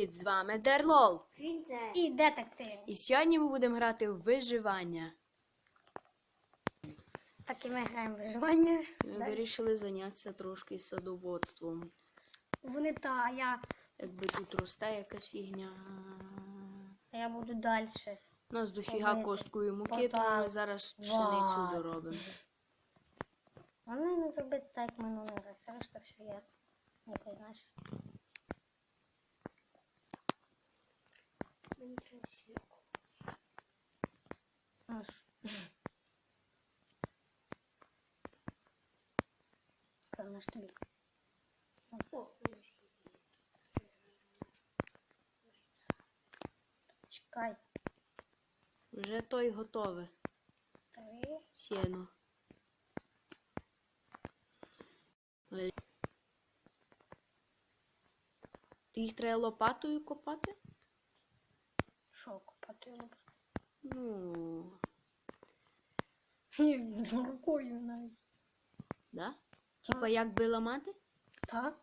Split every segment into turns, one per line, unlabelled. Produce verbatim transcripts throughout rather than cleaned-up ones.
Привіт, з вами Дерлол.
Принцес.
І детектив.
І сьогодні ми будемо грати в виживання.
Так і ми граємо в виживання.
Ми
Дальше.
вирішили зайнятися трошки садоводством.
Вони та, а я,
Якби тут росте якась фігня.
а я буду далі.
У нас дофіга
Робити.
косткою муки,
Отак.
тому ми зараз пшеницю
Вот.
доробимо.
Вони не зробити так, як минулий раз. Решта все є. Якось, знаєш.
Мені треба сірку.
Аж. Це наш тобі.
О,
Чекай.
Вже той готове.
Три.
Сіно. Але- Ти їх треба лопатою копати?
Що купати лопату?
Ну,
Ні, рукою навіть.
да? Типа як би ламати?
Так?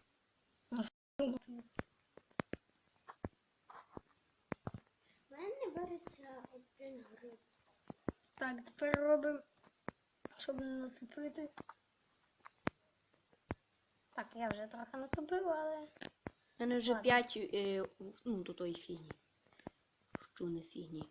в мене береться один гриб.
Так, тепер робимо, щоб не натопити. Так, я вже трохи натопив, але...
У мене вже
Ладно.
п'ять, е, ну, до тої фігні. Що не фігні.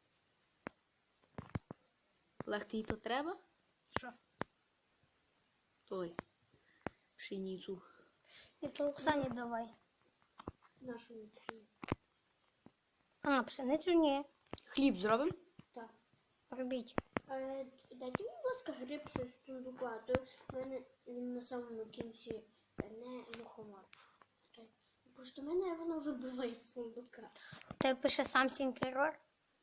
Олег, тобі то треба?
Що?
Той. Пшеницю.
І то Оксані давай.
Нашу вітрину.
А, пшеницю ні.
Хліб зробимо?
Так.
Робіть.
Е, Дайте, будь ласка, гриб щось з сундука, а то в мене він на самому кінці не мухомор. Просто в мене воно вибиває з сундука.
Ти пише сам сінкерор.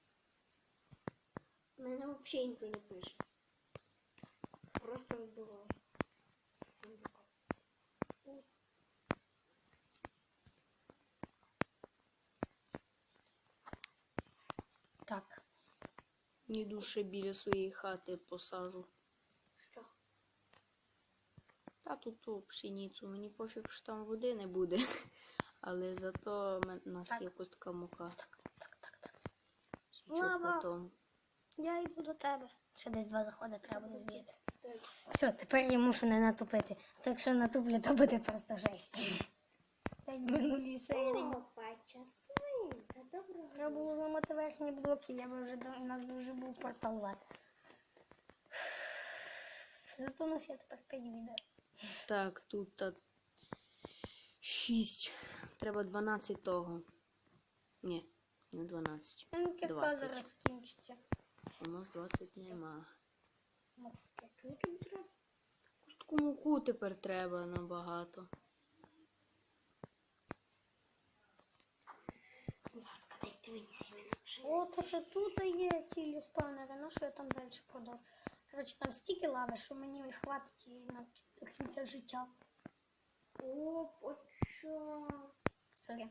В мене взагалі нічого не пише. Просто вибиває з сундука.
Так.
Йду ще біля своєї хати посажу.
Що?
Та тут ту пшеницю. Мені пофіг, що там води не буде. Але зато у нас
Так.
є костка мука.
Так, так, так, так.
Що
Мама.
потім.
Я йду до тебе. Ще десь два заходи треба буде збити.
Так.
Все, тепер я мушу не натопити. Так якщо натуплю, то буде просто жесть. Так в минулій серії.
Опача свинка, доброго.
Треба було зламати верхні блоки, я би вже до- у нас вже був портал лад. Зато у нас є тепер п'ять відео.
Так, тут так. шість. Треба дванадцять того. Ні, не дванадцять.
Кірка
двадцять.
зараз скінчиться.
У нас двадцять нема.
Чого тобі треба?
Костку муку тепер треба набагато.
Будь ласка, дайте мені сімена вже.
О, то що тут є цілі спавнери, ну що я там далі продав. Коротше, там стільки лави, що мені хватить і на до кінця життя.
О, поча.
Сорі.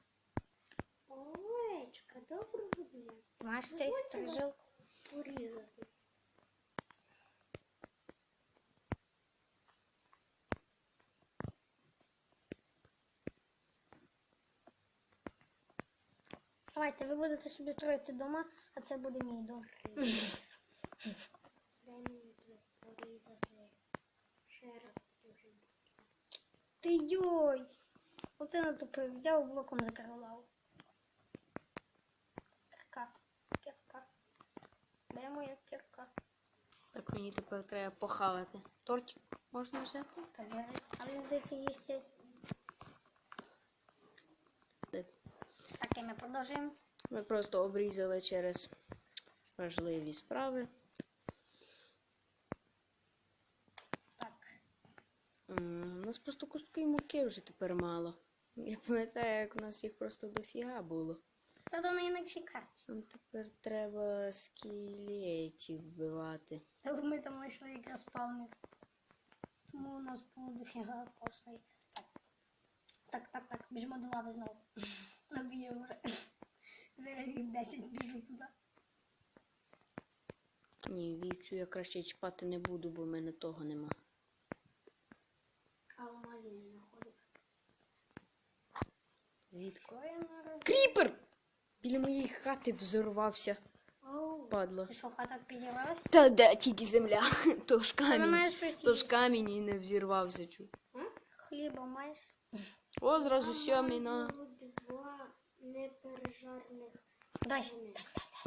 Овечка, доброго дня.
Ти маєш цей стрижил?
Порізати.
Давайте, ви будете собі строїти дома, а це буде мій дом.
Дай мені тут порізати. Ще раз дуже.
Ти йой! Оце натупив, взяв блоком закрив лаву. Кірка, кірка. Де моя кірка?
Так мені тепер треба похавати. Тортик можна взяти?
Та де? А мені здається, є ще.
Де?
Так, і ми продовжуємо.
Ми просто обрізали через важливі справи.
Так.
М, У нас просто кустки муки вже тепер мало. Я пам'ятаю, як у нас їх просто дофіга було.
Та до на інакшій карті.
Нам тепер треба скелетів вбивати.
Але ми там знайшли якраз спавнер. Тому у нас було дофіга косної. Так. Так, так, так. Біжимо до лави знову. Надоїв вже. Вже разів десять біжу туди.
Ні, вівцю я краще чіпати не буду, бо в мене того нема.
Алмазів не знаходив.
Звідки?
Що я наробив?
Кріпер! Біля моєї хати взорвався.
Оу.
Падла.
І що, хата підірвалась?
Та де тільки земля. То ж
Ти
камінь.
маєш щось
То ж
їсти?
камінь і не взірвався. Чу.
Хліба маєш?
О, зразу сьомий
А
на.
маю два непережарних
Дай.
свини.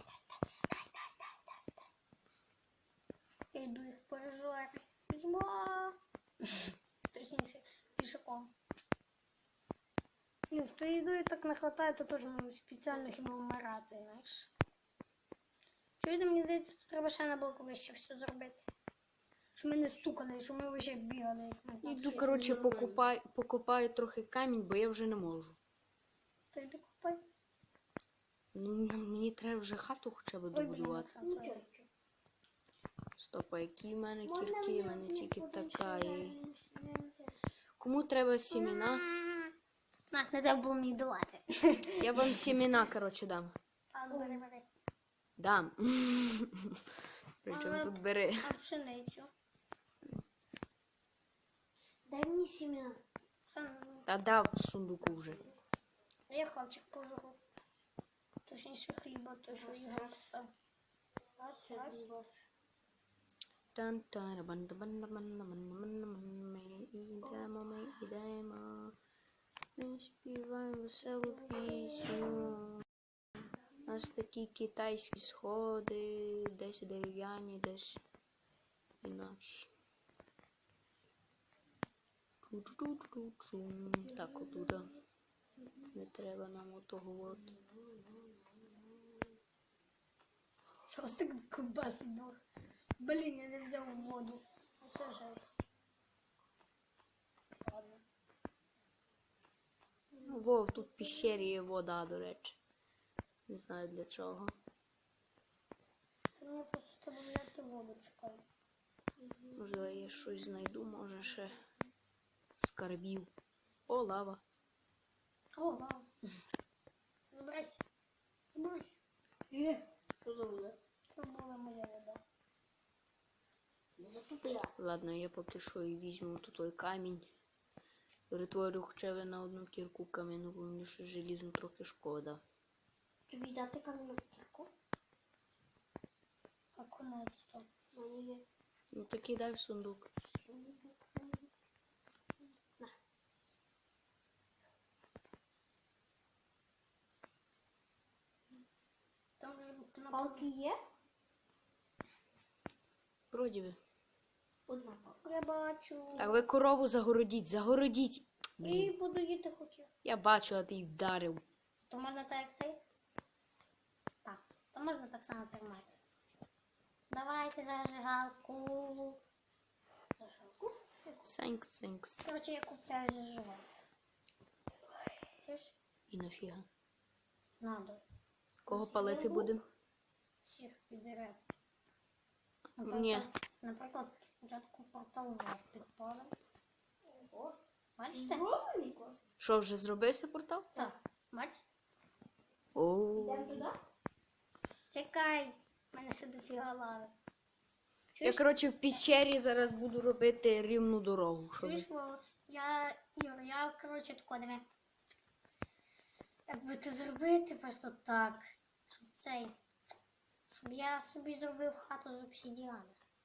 Я йду їх пережарю. Біжмо. Точніше, пішаком. Ні, з тою їдою так не хватає, то теж ну, спеціально хіба вмирати, знаєш. Чуєте, мені здається, тут треба ще на блоку вище все зробити. Щоб ми не стукали, щоб ми вище бігали. як ми там
Іду,
всі.
коротше, покупай, покопаю трохи камінь, бо я вже не можу.
То йди купай.
Ну, м- мені треба вже хату хоча б
Ой, блін,
добудувати.
Оксан,
Нічого,
сорі.
нічого.
Стоп, а які в мене
Можна
кірки, в
мені
мене
одну
тільки
подивитися,
така.
я
І...
не- не-
Кому треба сімена?
На, не треба було мені давати.
Я вам сімена, коротше, дам.
А, ну, бери, бери.
Дам. Причому тут бери.
А пшеницю.
Дай мені сім'я.
Оксан, ну,
Та дав в сундуку вже.
я хавчик пожру. Точніше хліба, то що Ігор став. Раз, раз.
Тан тара бан бан бан бан бан бан ми ідемо, ми ідемо. Ми співаємо веселу пісню. У нас такі китайські сходи, десь дерев'яні, десь інакші. Чу-чу-чу-чу. Так, отуда. Не треба нам отого от.
Що ось так ковбаси був? Блін, я не взяв воду. Це жесть. Ладно.
Ну, Вов, тут в піщері є вода, до речі. Не знаю для чого.
Та мені просто треба взяти воду, чекай.
Можливо, я щось знайду, може ще скарбів. О, лава.
О, вау. Забирайся. Забирайся. Є.
Що за вода?
Це була моя вода.
Не затупля.
Ладно, я поки що і візьму тут той камінь. Перетворю хоча б на одну кірку кам'яну, бо мені ще желізну трохи шкода.
Тобі дати кам'яну кірку?
А конець то.
У мене є
Ну так і дай в сундук.
сундук. На.
Там же на
Палки є?
Вроді би.
Одна палка.
Я бачу.
Так, ви корову загородіть, загородіть.
І
Блін,
буду їти хотів.
я бачу, а ти й вдарив.
То можна так як цей? Так, то можна так само тримати. Давайте зажигалку. Зажигалку?
Сенкс, сенкс.
Короче, я купляю зажигалку. Чуєш?
І нафіга.
Надо.
Кого палити будемо?
Всіх підряд.
Ні.
Наприклад, спочатку портал жовтих палив.
Ого.
Бачите?
Зроблений клас.
Що, вже зробився портал?
Так. Бачите?
О.
Йдемо туди?
Чекай. У мене ще дофіга лави.
Я,
Чуєш?
коротше, в печері зараз буду робити рівну дорогу. Щоб...
Чуєш, Вова? Я, Юр, я, коротше, тако, диви. Як би це зробити просто так, щоб цей, щоб я собі зробив хату з обсидіану.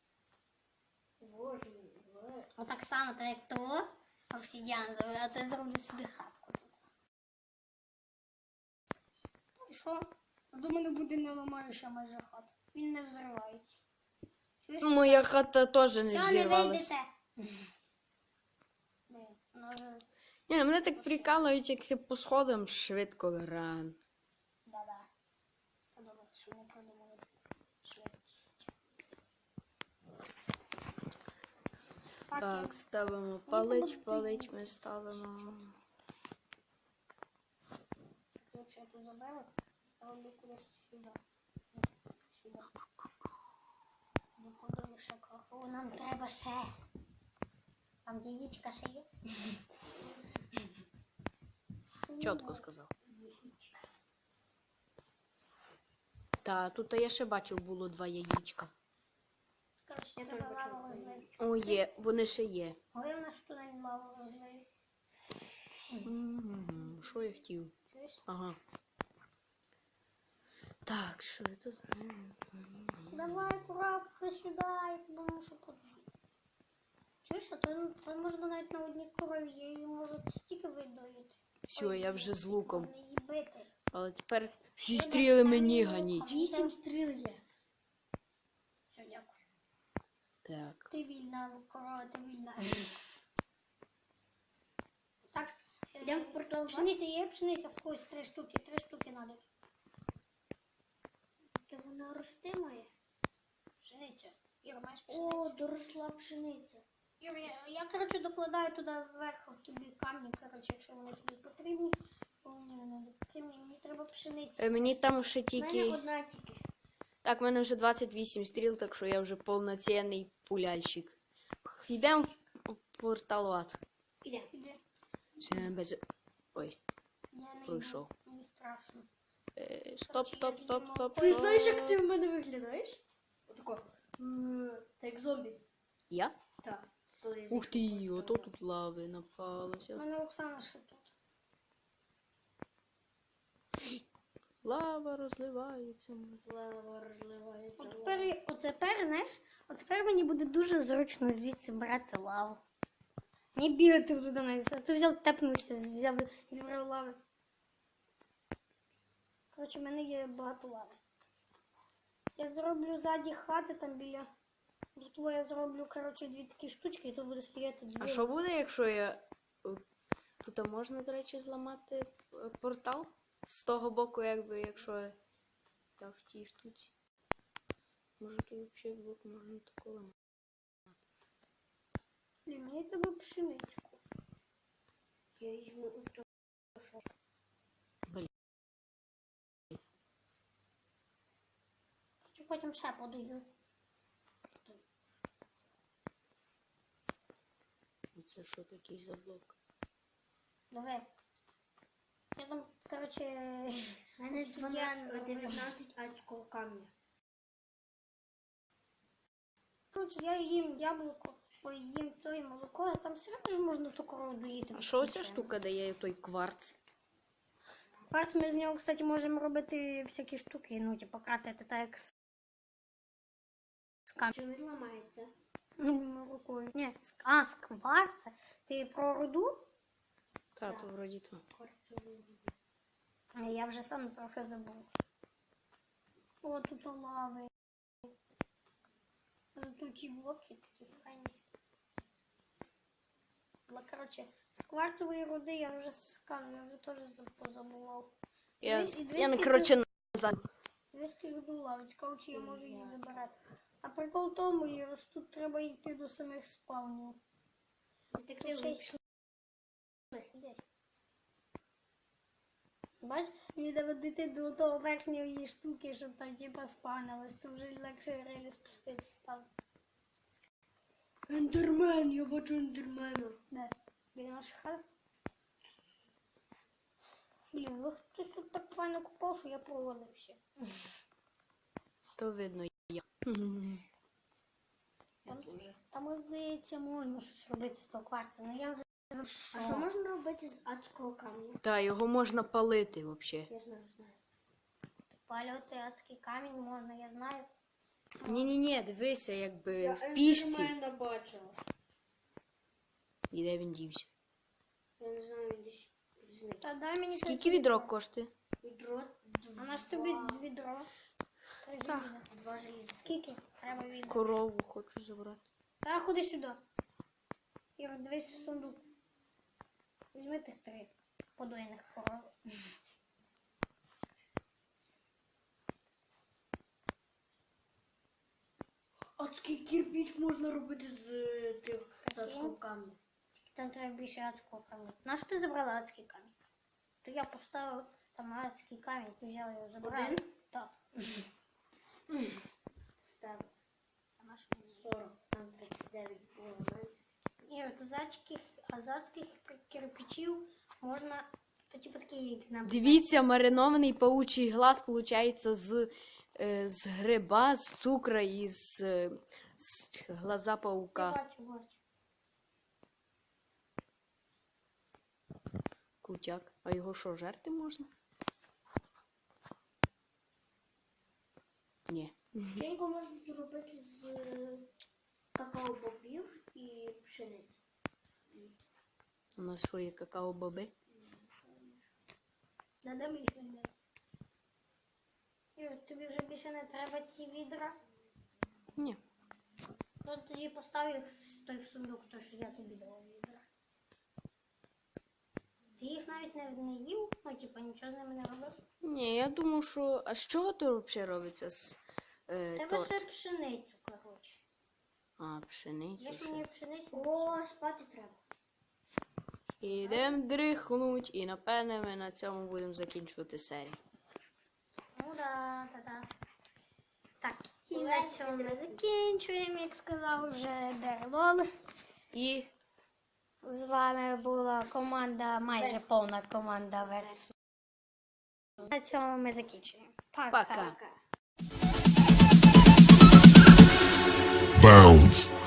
Боже мій, боже.
Отак само, так як того, обсидіан зробив, а то я зроблю собі хатку тут. І що? До мене буде не ламаюча майже хата. Він не взривається. Чуєш?
Моя хата теж не
Все, не
взірвалася.
вийдете. Блін, воно вже...
Ні, мене так прикалують, як ти по сходам швидко ран.
Да-да. Та добре, що не придумали швидкість.
Так, ставимо палить, палить ми ставимо.
Якщо я тут заберу, ставлю кудись сюди. Сюди. Викладаю ще кроху. Нам треба ще. Там яєчка ще є.
Чітко сказав. Та, тут я ще бачив, було два яєчка.
Коротше,
Я
треба
теж бачила
лаву
два
розлити.
О, є, вони ще є.
Говорив, на що туди лаву розлию.
М, Що я хотів?
Дивись.
Ага. Так, що це за...
Давай, коробка сюди, я тобі мушу подумати. Чуєш, а то, то можна навіть на одній корові, я її можу стільки видоїти.
Все, я вже з луком.
Можна її бити.
Але тепер всі
Вибач,
стріли
там
мені
є лук,
ганіть.
а мені
Вісім стріл є.
Все, дякую.
Так.
Ти вільна, корова, ти вільна. Так,
Йдемо в портал.
пшениця є, пшениця в когось три штуки, три штуки надо.
То вона рости має.
Пшениця. Іра, маєш пшеницю?
О, доросла пшениця.
Іра, я, я, коротше, докладаю туди вверху тобі камні, коротше, якщо вони тобі потрібні. Бо мені не надо потрібні, мені треба пшениця.
Е, Мені там ще
У мене
тільки...
одна тільки.
Так, в мене вже двадцять вісім стріл, так що я вже повноцінний пуляльщик. Йдемо в порталат.
Іде.
Іде.
Це без... Ой,
Я не
пройшов.
йду, мені страшно.
Е, Стоп, стоп, стоп, стоп.
Ти
стоп.
знаєш, як ти в мене виглядаєш? Отако. М, Та як зомбі.
Я?
Так. Коли я
Ух ти,
зайшов в
ото
портал.
тут лави
У
напалося.
мене Оксана ще тут.
Лава розливається.
Лава розливається.
От тепер, от тепер, знаєш, от тепер мені буде дуже зручно звідси брати лаву. Не бігати туди навіть. А ти взяв, тепнувся, взяв, зібрав лави. Коротше, в мене є багато лави. Я зроблю ззаді хати там біля. Тут я зроблю, коротше, дві такі штучки, і тут буде стояти дві.
А що буде, якщо я... е, Тут можна, до речі, зламати е, портал? З того боку, якби, якщо я та в тій штуці. Може тут взагалі блок можна такого ламати.
Блін, мені треба пшеничку.
Я візьму ото.
Блін.
Чи потім ще подойду.
Це що такий за блок?
Давай. Я там, коротше,
У мене
обсидіан зроблю.
дев'ятнадцять адського камня.
Коротше, я їм яблуко, ой, їм то і молоко, а там все одно ж можна ту корову доїти.
А що оця
звичайно.
штука дає, той кварц?
Кварц ми з нього, кстати, можемо робити всякі штуки, ну, типу, крафтити так як з, з камінь.
Чи він ламається?
Ну, рукою. Ні, з, а, з кварца? Ти про руду?
Та, то вроді то.
Кварцевий.
А я вже сам трохи забув. О, тут лави. Тут ті блоки такі файні. Але, коротше, з кварцевої руди я вже з камінь, я вже теж позабував.
Я,
Дивись, і дивись,
я не,
скільки-
коротше, назад.
Виски руду лави, цікаво, чи я можу її забирати. А прикол в тому, Ірос, тут треба йти до самих спавнів.
Детектив
Тут шесть. Іди. Бач, мені треба дійти до того верхньої штуки, щоб там типа спавнилось, то вже легше релі спуститися там.
Ендермен, я бачу ендермена.
Де? Біля наших хат? Блін, ви хтось тут так файно купав, що я провалився.
То видно я.
Там, там, здається, можна щось робити з того кварця, але я вже
А що можна робити з адського камня?
Та, його можна палити взагалі.
Я знаю, знаю.
Палювати адський камінь можна, я знаю.
Ні-ні-ні, дивися, якби
Я
в пішці.
ендермена бачила.
І де він дівся?
Я не знаю, він десь зник.
Та дай мені
Скільки відро коштує?
Відро.
А на ж тобі відро. Три
Так.
желіза.
Два желіза.
Скільки? Треба відро.
Корову хочу забрати.
Та ходи сюди. Іра, дивись в сундук. Візьми тих три подойних коров.
Адський кирпіч можна робити з е, тих з адського камня.
Там треба більше адського каміння. На що ти забрала адський камінь? То я поставив там адський камінь, ти взяла його, забрала.
Один?
Так.
Ставив. сорок, там тридцять дев'ять було.
Іра, то з адських, а з адських кирпичів можна, то типу такий як на...
Дивіться, маринований паучий глаз виходить з, е, з гриба, з цукра і з, е, з глаза
Я
паука.
бачу, бачу.
Крутяк. А його що, жерти можна? Ні.
Печеньку можна зробити з е, какао-бобів і пшениці.
У нас що є какао-боби?
Надо мені знайти. Юр, тобі вже більше не треба ці відра?
Ні.
Ну тоді постав їх в той в сундук, то що я тобі дала відра. Ти їх навіть не, не їв? Ну, типа, нічого з ними не робив?
Ні, я думав, що. А з чого то взагалі робиться з е,
Тебе
торт?
ще пшеницю, коротше.
А, пшеницю.
Їж
ще.
мені пшеницю.
О, спати треба.
Ідемо дрихнуть, і напевне ми на цьому будемо закінчувати серію.
Ну да, да, да. Так, і на цьому ми закінчуємо, як сказав вже Дерлол.
І
З вами була команда, майже повна команда Верс. На цьому ми закінчуємо. Пока.
пока.
Bounce.